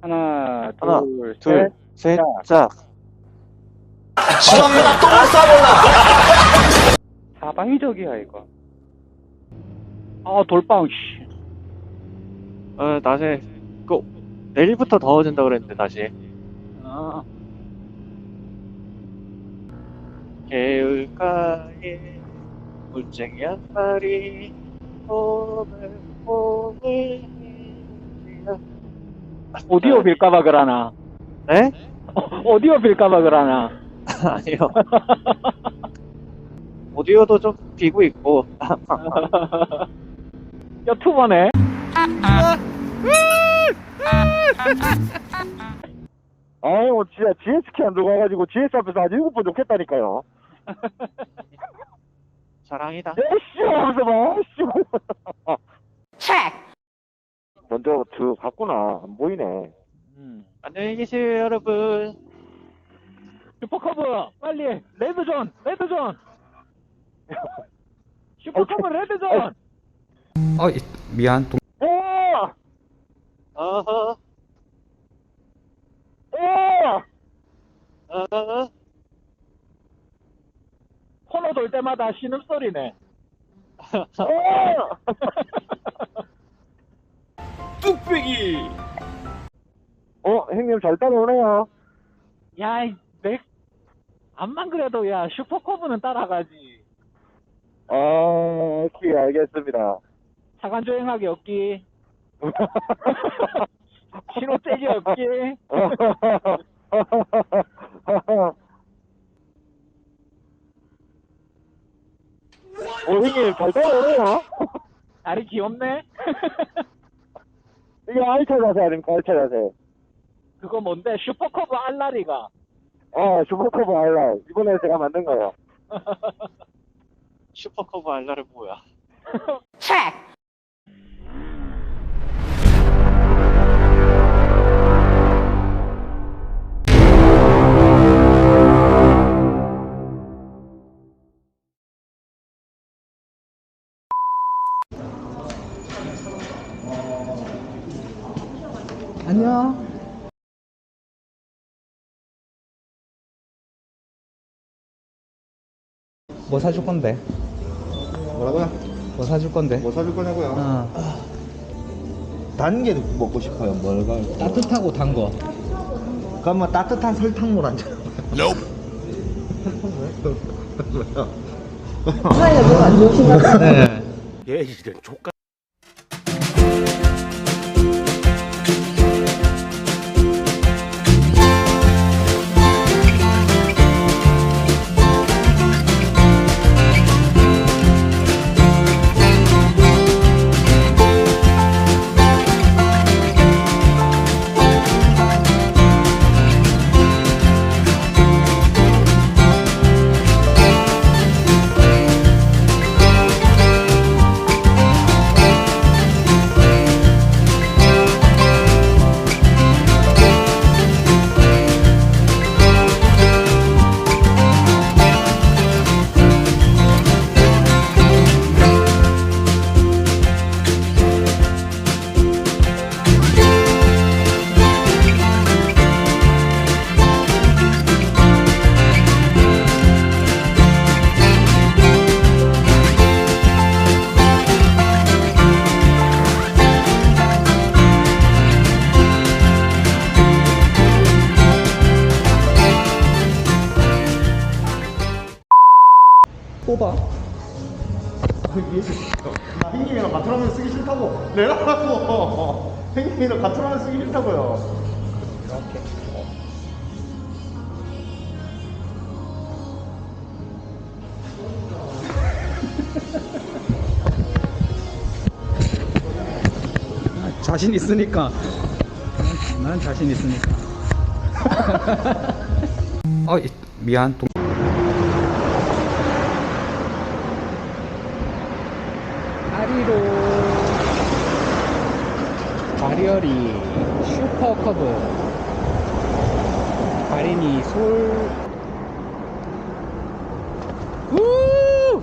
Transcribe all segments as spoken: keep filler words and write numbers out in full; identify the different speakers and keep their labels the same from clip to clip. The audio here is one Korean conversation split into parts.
Speaker 1: 하나,
Speaker 2: 하나,
Speaker 1: 둘,
Speaker 2: 둘,
Speaker 1: 셋.
Speaker 2: 셋, 짝.
Speaker 3: 지방에다 똥을 싸버려.
Speaker 1: 사방이적이야, 이거. 아, 돌빵, 씨.
Speaker 2: 어, 다시. 그, 내일부터 더워진다 그랬는데, 다시.
Speaker 1: 아,
Speaker 2: 개울가에 물쟁이 한 마리 봄을 봄을
Speaker 1: 오디오 빌까봐 그러나.
Speaker 2: 네?
Speaker 1: 오디오 빌까봐 그러나.
Speaker 2: 아니요. 오디오도 좀 비고 있고.
Speaker 1: 유튜버네.
Speaker 4: 아유, 진짜 지에스키 안 들어가가지고 지에스 앞에서 아주 일곱 번 좋겠다니까요.
Speaker 2: 사랑이다.
Speaker 4: 에이씨 하면서 봐, 에이씨. 먼저 들어갔구나. 안 보이네.
Speaker 1: 음.
Speaker 2: 안녕히 계세요, 여러분.
Speaker 1: 슈퍼커브, 빨리. 레드존, 레드존. 슈퍼커브, 레드존.
Speaker 5: 어, 이- 미안. 동...
Speaker 4: 오!
Speaker 2: 어허,
Speaker 4: 오!
Speaker 2: 어허.
Speaker 1: 코너 돌 때마다 신음소리네.
Speaker 4: 오!
Speaker 1: 뚝배기.
Speaker 4: 어, 형님 잘 따라오네요.
Speaker 1: 야, 이 내, 암만 그래도 야, 슈퍼커브는 따라가지.
Speaker 4: 아, 오케이, 알겠습니다.
Speaker 1: 차간 조행하기 없기. 신호 떼기 없기.
Speaker 4: 어, 형님 잘 따라오네요.
Speaker 1: 다리 귀엽네.
Speaker 4: 이게 알차 자세 아닙니까? 알차 자세.
Speaker 1: 그거 뭔데? 슈퍼커브 알라리가.
Speaker 4: 어, 슈퍼커브 알라. 이번에 제가 만든 거예요.
Speaker 2: 슈퍼커브 알라를 뭐야?
Speaker 5: 안녕. 뭐 사줄 건데?
Speaker 6: 뭐라고요?
Speaker 5: 뭐 사줄 건데?
Speaker 6: 뭐 사줄 거냐고요?
Speaker 5: 어,
Speaker 6: 단 게 먹고 싶어요. 뭘 가?
Speaker 5: 따뜻하고 단 거.
Speaker 6: 그러면 따뜻한 설탕물 한 잔.
Speaker 7: 사이가 너무 안 좋으신 것 같아요.
Speaker 5: 네.
Speaker 3: 얘 이제 족가.
Speaker 5: 뽑아.
Speaker 6: 나 형님이랑 같은 화면 쓰기 싫다고. 내가 하라고. 형님이랑 같은 화면 쓰기 싫다고요.
Speaker 5: 이렇게. 아, 자신 있으니까. 난, 난 자신 있으니까. 어, 이- 미안. 동... 아리로 바리어리 슈퍼커브 바리니 솔 우!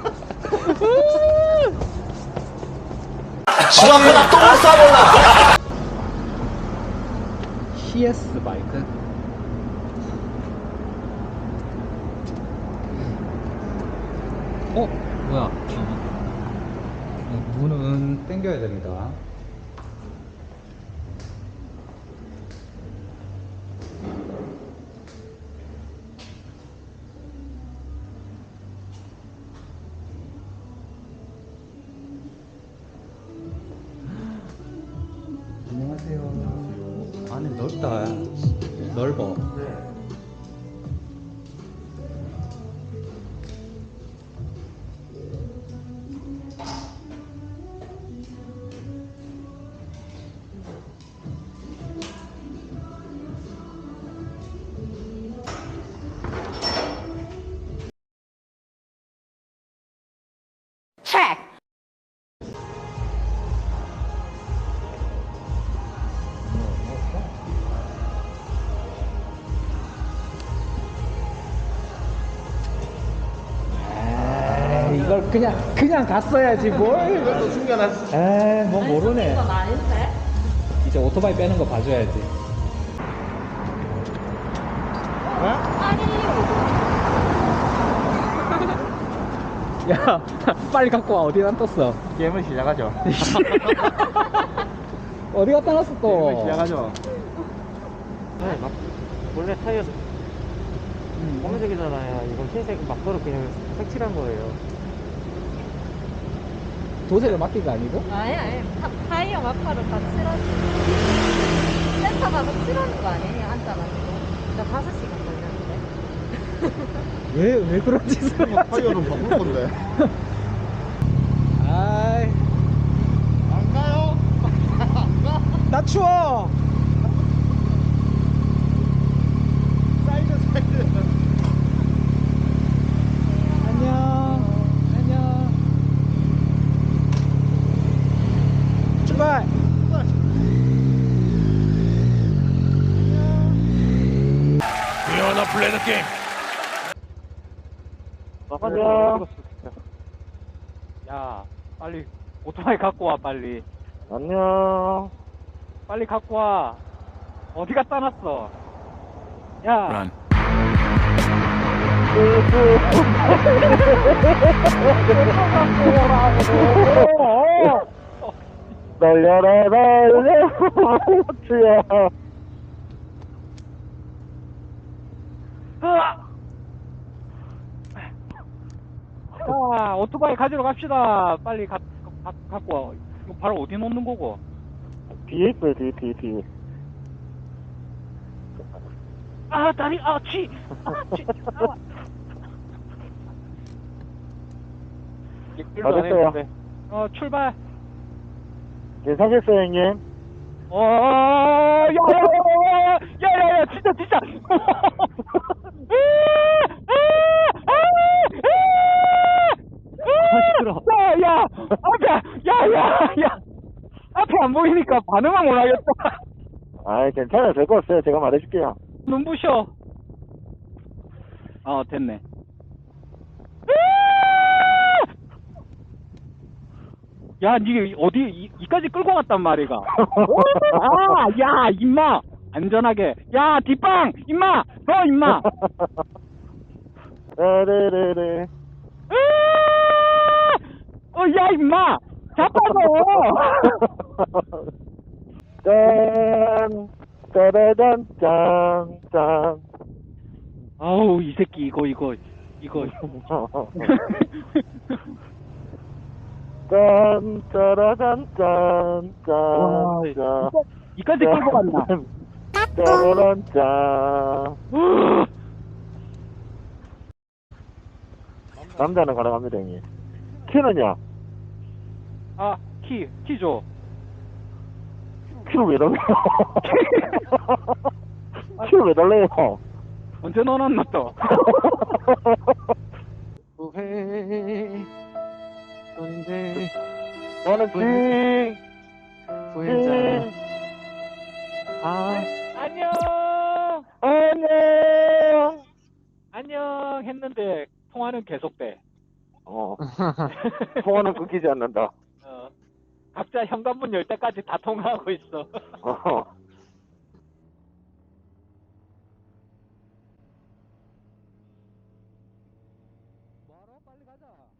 Speaker 3: 지방에다 똥을 싸버려.
Speaker 5: 티에스 바이크. 어? 뭐야? 어, 문은 당겨야 됩니다. 안녕하세요. 안에 넓다. 넓어. 에이, 이걸 그냥 그냥 갔어야지 뭘.
Speaker 6: 이것도 숨겨놨어.
Speaker 5: 에이, 뭐 모르네.
Speaker 7: 이건 아닌데?
Speaker 5: 이제 오토바이 빼는 거 봐줘야지.
Speaker 7: 아니,
Speaker 5: 야, 빨리 갖고 와. 어디 안 떴어?
Speaker 6: 게임을 시작하죠.
Speaker 5: 어디 갖다 놨어 또?
Speaker 6: 게임을 시작하죠.
Speaker 2: 네, 막 원래 타이어 검은색이잖아요. 이건 흰색 막도로 그냥 색칠한 거예요.
Speaker 5: 도색을 맡긴 거 아니고?
Speaker 7: 아니, 아니. 타, 타이어 마카로 다 칠하지. 센터 가서 칠하는 거 아니에요? 앉아가지고. 나 다섯 시간 걸렸는데.
Speaker 5: 왜, 왜 그런 짓을
Speaker 6: 뭐 타이어는 바꿀 건데.
Speaker 5: 아이,
Speaker 6: 안 가요?
Speaker 5: 나 추워!
Speaker 6: 사이드 사이드.
Speaker 5: 안녕. 안녕. 출발!
Speaker 3: You wanna play the game?
Speaker 4: 안녕.
Speaker 1: 야, 빨리 오토바이 갖고 와, 빨리.
Speaker 4: 안녕.
Speaker 1: 빨리 갖고 와. 어디 갖다 놨어? 야,
Speaker 3: Run.
Speaker 4: 날려라 날려 호치야.
Speaker 1: 자, 오토바이 가지러 갑시다. 빨리 가, 가, 갖고 와. 이거 바로 어디 놓는 거고?
Speaker 4: 뒤에 있어요 뒤에 뒤에 뒤에.
Speaker 1: 아, 다리, 아, 치! 아, 치! 아.
Speaker 2: 일도 안
Speaker 4: 알았어요.
Speaker 2: 했는데.
Speaker 1: 어, 출발.
Speaker 4: 괜찮겠어요 형님?
Speaker 1: 어, 야, 야, 야, 야, 야, 야, 진짜, 진짜.
Speaker 2: 시끄러워.
Speaker 1: 야, 야, 앞에, 야, 야, 야, 앞에 안 보이니까 반응을 못 하겠다.
Speaker 4: 아이 괜찮아요 될 거 없어요 제가 말해줄게요.
Speaker 1: 눈부셔. 어, 됐네. 야, 니 어디 이, 이까지 끌고 갔단 말이가. 아, 야, 임마, 안전하게. 야, 뒷방, 임마, 너 임마.
Speaker 4: 네네네네.
Speaker 1: 어, 야, 임마, 자빠져.
Speaker 4: 짠 짜라잔 짠짠.
Speaker 1: 아우, 이 새끼 이거 이거 이거.
Speaker 4: 짠 짜라잔 짠짠
Speaker 1: 와,
Speaker 4: 짠.
Speaker 1: 이까지 끌고 갔나?
Speaker 4: 짜라란 짠. 남자는 가능합니다 형님. 키는요?
Speaker 1: 아, 키, 키 줘.
Speaker 4: 키를 왜 달래요? 키를 왜 달래요?
Speaker 1: 언제 넣어놨나 또?
Speaker 2: 후회. son인데
Speaker 4: 나는 징.
Speaker 2: 후회자. 아,
Speaker 1: 안녕.
Speaker 4: 안녕.
Speaker 1: 안녕 했는데 통화는 계속돼.
Speaker 4: 어. 통화는 끊기지 않는다.
Speaker 1: 어. 각자 현관문 열 때까지 다 통화하고 있어.
Speaker 4: 어.
Speaker 5: 뭐하러? 빨리 가자.